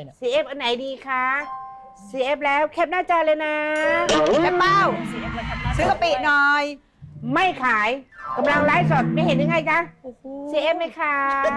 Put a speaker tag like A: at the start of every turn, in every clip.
A: เนี่ย
B: CF อันไหนดีคะ CF แล้วแคปหน้าจอเลยนะแม่เป้าซื้อกะปิหน่อย ไม่ขายกำลังไลฟ์สดไม่เห็นยังไงจ๊ะ CF ไหมคะ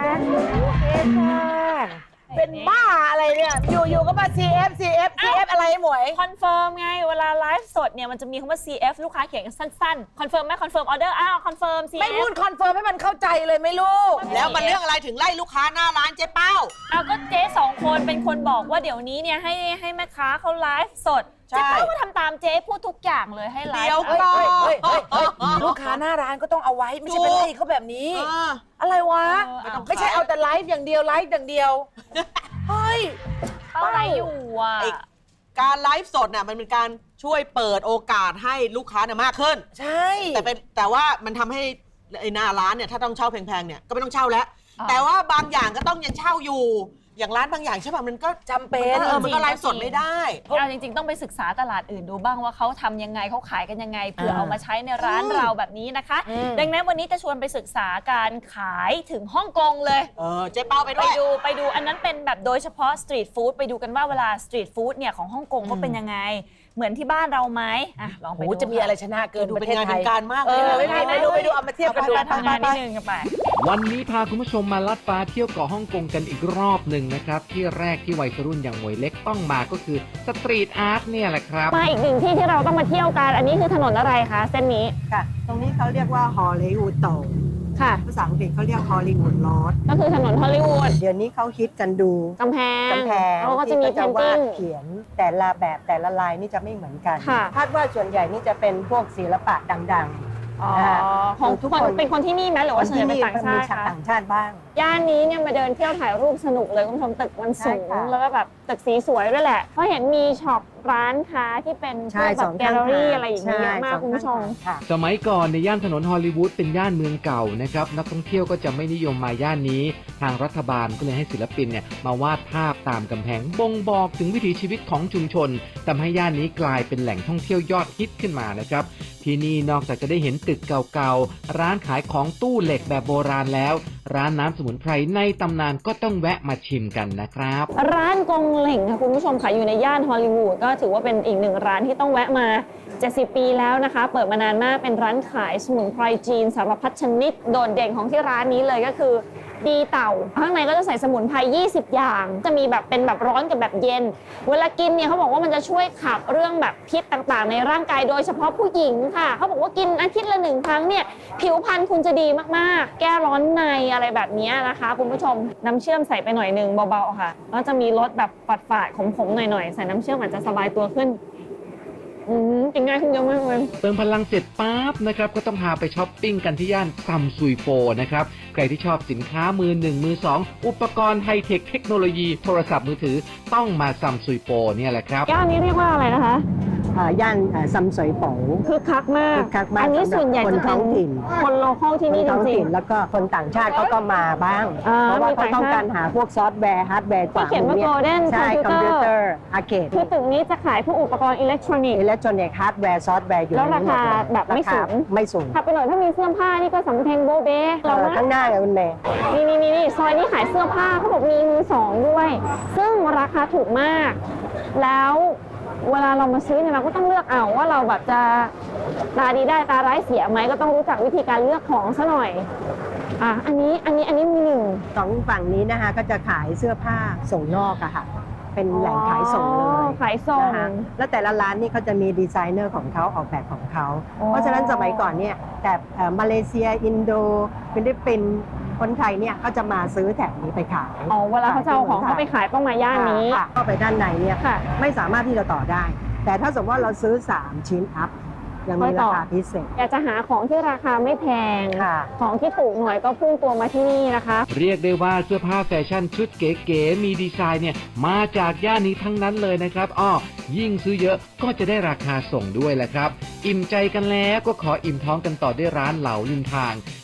B: CF ค่ะเป็นบ้าอะไรเนี่ย อยู่ๆก็มา CF อะไรหมวย
C: คอนเฟิร์มไงเวลาไลฟ์สดเนี่ยมันจะมีคำว่า CF ลูกค้าเขียนสั้นๆคอนเฟิร์มไหมคอนเฟิร์มออเดอร์อ้าวคอนเฟิร์ม CF
B: ไม่พูดคอนเฟิร์มให้มันเข้าใจเลยไหมลูก
A: แล้วมันเรื่องอะไรถึงไล่ลูกค้าหน้าร้านเจ๊เป้า
C: เอาก็เจ๊2 คนเป็นคนบอกว่าเดี๋ยวนี้เนี่ยให้แม่ค้าเขาไลฟ์สด
A: ใช่
C: เจ๊เป้าก็ทำตามเจ๊พูดทุกอย่างเลยให้ไลฟ์
A: เดี๋ยวก่อน
B: ลูกค้าหน้าร้านก็ต้องเอาไว้ไม่ใช่เป็นไล่เขาแบบนี้
A: เออ
B: อะไรวะ
C: เอา
B: ไม่ใช่เอาแต่ไลฟ์อย่างเดียวเฮ้ย
C: เป้าอะไรอยู่อ่ะ
A: ไอ้ การไลฟ์สดน่ะมันเป็นการช่วยเปิดโอกาสให้ลูกค้าเนี่ยมากขึ้น
B: ใช่
A: แต่ว่ามันทำให้ไอ้หน้าร้านเนี่ยถ้าต้องเช่าแพงๆเนี่ยก็ไม่ต้องเช่าแล้ว
C: อ่า
A: แต่ว่าบางอย่างก็ต้องยังเช่าอยู่ อย่างร้านบางอย่างใช่ป่ะมันก็
B: จำเป็น
A: มันก็ไลฟ์สดไม่ได้
C: เอาจริงๆต้องไปศึกษาตลาดอื่นดูบ้างว่าเขาทำยังไงเขาขายกันยังไงเผื่อเอามาใช้ในร้านเราแบบนี้นะคะ ดังนั้นวันนี้จะชวนไปศึกษาการขายถึงฮ่องกงเลย
A: เจ๊เป้าไป
C: ไป
A: ด้วย
C: ดูอันนั้นเป็นแบบโดยเฉพาะสตรีทฟู้ดไปดูกันว่าเวลาสตรีทฟู้ดเนี่ยของฮ่องกงเขาเป็นยังไง เหมือนที่บ้านเราไหมอ่ะลองไป
B: โอ้
C: ดู
B: จะมีอะไรชนะเกิน
A: ดู
B: ประ
A: เป็น
B: เทศ
A: งาน
B: ไท
A: เป็น
B: ย
A: การมากเลยนะ
B: ไปดูเอามาเทียบกันดู
C: ไปทำงานนิดนึงกันไป
D: วันนี้พาคุณผู้ชมมาลัดฟ้าเที่ยวเกาะฮ่องกงกันอีกรอบหนึ่งนะครับ ที่แรกที่วัยรุ่นอย่างหมวยเล็กต้องมาก็คือสตรีทอาร์ตเนี่ยแหละครับ
C: มาอีกหนึ่งที่ที่เราต้องมาเที่ยวกันอันนี้คือถนนอะไรคะเส้นนี้
E: ค่ะ ตรงนี้เขาเรียกว่าฮอลลีวูดโต
C: ค่ะ
E: ภาษาอังกฤษเขาเรียกฮอลลีวูดลอด
C: ก็คือถนนฮอลลีวูด
E: เดี๋ยวนี้เขาฮิตกันดู
C: กำแพง
E: กำแพง
C: เขาก็จะมี
E: ที่
C: เพ
E: เขา
C: น
E: วา
C: ติ้
E: ด
C: ง
E: เขียนแต่ละแบบแต่ละลายนี่จะไม่เหมือนกัน
C: ค่ะ
E: คาดว่าส่วนใหญ่นี่จะเป็นพวกศิลปะดัง
C: อ๋อ
E: ของ
C: ทุ
E: ทุ
C: ก
E: ก
C: ค
E: คน น
C: เป็นคนที่นี่ไหมหรือ
E: ๆ
C: ว่าส่วนใหญ่เป็นต่างชา
E: มี
C: ติคะ
E: ต่างชาติบ้าง
C: ย่านนี้เนี่ยมาเดินเที่ยวถ่ายรูปสนุกเลยคุณผู้ชมตึกมันสูง
E: ใช่ค่ะ
C: แล้วก็แบบตึกสีสวยด้วยแหละเพราะเห็นมีช็อปร้านค้าที่เป็นพ
E: ใช่
C: วกแบ
E: ส
C: บ
E: อง
C: แกลเลอรี่อะไรอย่างเงี้ยเยอะมาก
E: สอง
C: คุณผู้ชม
E: ข้างทางค่ะ
D: สมัยก่อนในย่านถนนฮอลลีวูดเป็นย่านเมืองเก่านะครับนักท่องเที่ยวก็จะไม่นิยมมาย่านนี้ ทางรัฐบาลก็เลยให้ศิลปินเนี่ยมาวาดภาพตามกำแพงบ่งบอกถึงวิถีชีวิตของชุมชนทำให้ย่านนี้กลายเป็นแหล่งท่องเที่ยวยอดฮิตขึ้นมานะครับที่นี่นอกจากจะได้เห็นตึกเก่าๆร้านขายของตู้เหล็กแบบโบราณแล้ว ร้านน้ำสมุนไพรในตำนานก็ต้องแวะมาชิมกันนะครับ
C: ร้านกงเหล่งค่ะคุณผู้ชมค่ะอยู่ในย่านฮอลลีวูดก็ถือว่าเป็นอีกหนึ่งร้านที่ต้องแวะมา 70 ปีแล้วนะคะ เปิดมานานมากเป็นร้านขายสมุนไพรจีนสารพัดชนิดโดดเด่นของที่ร้านนี้เลยก็คือดีเต่าข้างในก็จะใส่สมุนไพร 20 อย่าง จะมีแบบเป็นแบบร้อนกับแบบเย็น เวลากินเนี่ยเขาบอกว่ามันจะช่วยขับเรื่องแบบพิษต่างๆ ในร่างกายโดยเฉพาะผู้หญิงค่ะเขาบอกว่ากินอาทิตย์ละ1 ครั้งเนี่ยผิวพรรณคุณจะดีมากๆ แก้ร้อนในอะไรแบบนี้นะคะคุณผู้ชมน้ำเชื่อมใส่ไปหน่อยนึงเบาๆค่ะแล้วจะมีรสแบบฝาดๆขมๆหน่อยๆใส่น้ำเชื่อมอาจจะสบายตัวขึ้นกินง่ายขึ้นเยอะมากเลย
D: เติมพลังเสร็จปั๊บนะครับก็ต้องพาไปช้อปปิ้งกันที่ย่านซัมซุยโปนะครับใครที่ชอบสินค้ามือหนึ่งมือสองอุปกรณ์ไฮเทคเทคโนโลยีโทรศัพท์มือถือต้องมาซัมซุยโปเนี่ยแหละครับ
C: ย่านนี้เรียกว่าอะไรนะคะ
E: ย่านซัมสวยโป๋
C: คึกคักมาก
E: คึกคักมาก
C: อันนี้ส่วนใหญ่
E: คน
C: จะเป็
E: ท้
C: น
E: องถิ่น
C: คนโลคอลที่
E: คน
C: นี่จ
E: ท้อง
C: ริง
E: ถิ่นแล้วก็คนต่างชาติเขาก็มาบ้าง
C: อ่า
E: เพราะว่า
C: มี
E: เขา
C: ต่างชาติ
E: ต้องการหาพวกซอฟต์แวร์ฮาร์ดแวร์
C: ที่เขียนว่า Golden
E: ใช่คอมพิวเตอ
C: Computer
E: ร์อาร์เคด
C: ๆคือตึกนี้จะขายพวกอุปกรณ์อิเล็กทรอนิกส์
E: อิเล็กทรอนิกส์ฮาร์ดแวร์ซอฟต์แวร์อยู่
C: แล้ว
E: ในนี้หมดเลย
C: ราคาแบบไม่สูง
E: ราคาไม่สูง
C: ถัดไปหน่อยถ้ามีเสื้อผ้านี่ก็สำเพ็งโบเบ้เรานะ
E: ข้างหน้าไงคุณเมย์
C: นี่ซอยนี้ขายเสื้อผ้าเขาบอกมีมือสองด้วย ซึ่งราคาถูกมาก แล้วเวลาเรามาซื้อเนี่ยเราก็ต้องเลือกเอาว่าเราแบบจะตาดีได้ตาร้ายเสียไหมก็ต้องรู้จักวิธีการเลือกของซะหน่อยอันนี้มีหนึ่ง
E: สองฝั่งนี้นะคะก็จะขายเสื้อผ้าส่งนอกอะค่ะ เป็นแหล่งขายส่งเลย
C: ขายส่ง
E: นะคะแล้วแต่ละร้านนี่เขาจะมีดีไซเนอร์ของเขาออกแบบของเขา
C: อ๋อ
E: เพราะฉะนั้นสมัยก่อนเนี่ยแต่มาเลเซียอินโดฟิลิปปินส์คนไทยเนี่ยก็จะมาซื้อแถบนี้ไปขาย
C: เวลาเขาจะเอาของเขาไปขายต้องมาย่านนี้
E: ค่ะเข้าไปด้านในเนี่ย
C: ค่ะ
E: ไม่สามารถที่จะต่อได้ แต่ถ้าสมมติว่าเราซื้อ 3 ชิ้นอัพยังมีราคาพิเศษ
C: อยากจะหาของที่ราคาไม่แพง
E: ค่ะ
C: ของที่ถูกหน่อยก็พุ่งตัวมาที่นี่นะคะ
D: เรียกได้ว่าเสื้อผ้าแฟชั่นชุดเก๋ๆมีดีไซน์เนี่ยมาจากย่านนี้ทั้งนั้นเลยนะครับยิ่งซื้อเยอะก็จะได้ราคาส่งด้วยแหละครับ อิ่มใจกันแล้วก็ขออิ่มท้องกันต่อด้วยร้านเหลาริมทาง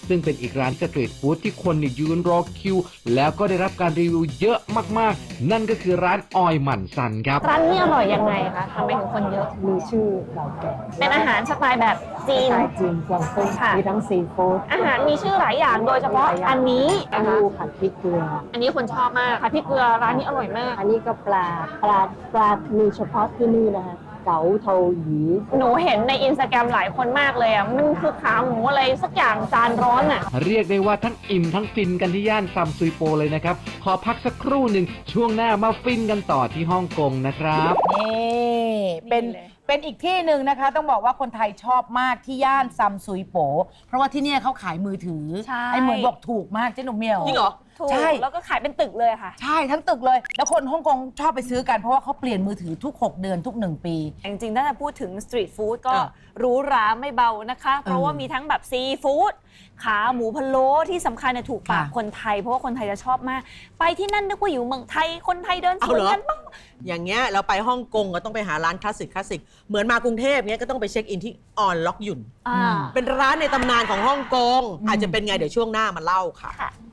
D: ซึ่งเป็นอีกร้านสตรีทฟู้ดที่คนเนี่ยยืนรอคิว แล้วก็ได้รับการรีวิวเยอะมากๆ นั่นก็คือร้านออยหมั่นซันครับ
C: ร้านนี้อร่อยยังไงคะทำไมถึงคนเยอะ
E: มีชื่อเก่าแก่
C: เป็นอาหารสไตล์แบบจีน
E: สไตล์จีนกวางตุ้ง
C: ค่ะ
E: มีทั้งซีฟู้ด
C: อาหารมีชื่อหลายอย่างโดยเฉพาะอันนี้
E: เต้า
C: นะคะ
E: หู้ผัดพริกเกลือ
C: อันนี้คนชอบมากค่ะพี่เกลือร้านนี้อร่อยมาก
E: อันนี้ก็ปลามีเฉพาะที่นี่นะคะเก๋าเทาหยี
C: หนูเห็นในอินสตาแกรมหลายคนมากเลยอ่ะมันคือขาหมูอะไรสักอย่างจานร้อนอ่ะ
D: เรียกได้ว่าทั้งอิ่มทั้งฟินกันที่ย่านซัมซุยโปเลยนะครับ ขอพักสักครู่หนึ่งช่วงหน้ามาฟินกันต่อที่ฮ่องกงนะครับ
B: นี่เป็น
C: นี่เลย
B: เป็นอีกที่หนึ่งนะคะ ต้องบอกว่าคนไทยชอบมากที่ย่านซัมซุยโป เพราะว่าที่เนี่ยเขาขายมือถือ
C: ใช่
B: ไอ้เหมือนบอกถูกมากเจ๊หนุ่มเมียว
A: จริงเหรอ
C: ถูก
B: ใช่
C: แล้วก็ขายเป็นตึกเลยค่ะ
B: ใช่ทั้งตึกเลย แล้วคนฮ่องกงชอบไปซื้อกันเพราะว่าเขาเปลี่ยนมือถือทุก 6 เดือนทุก 1 ปี
C: จริงๆถ้าจะพูดถึงสตรีทฟู้ดก็
A: เออ
C: หรูหราไม่เบานะคะ เพราะว่ามีทั้งแบบซีฟู้ดขาหมูพะโล้ที่สำคัญเนี่ยถูกปาก
B: ค่ะ
C: คนไทย เพราะว่าคนไทยจะชอบมาก ไปที่นั่นนึกว่าอยู่เมืองไทยคนไทยเดินส
A: เอา
C: วน
A: เหรอ
C: กันบ้าง
A: อย่างเงี้ยเราไปฮ่องกงก็ต้องไปหาร้านคลาสสิกเหมือนมากรุงเทพเงี้ยก็ต้องไปเช็คอินที่ออนล็อกหยุ่น
C: อ่า
A: เป็นร้านในตำนานของฮ่องกงอาจจะเป็นไงเดี๋ยวช่วงหน้ามาเล่าค่ะ
C: ค่ะ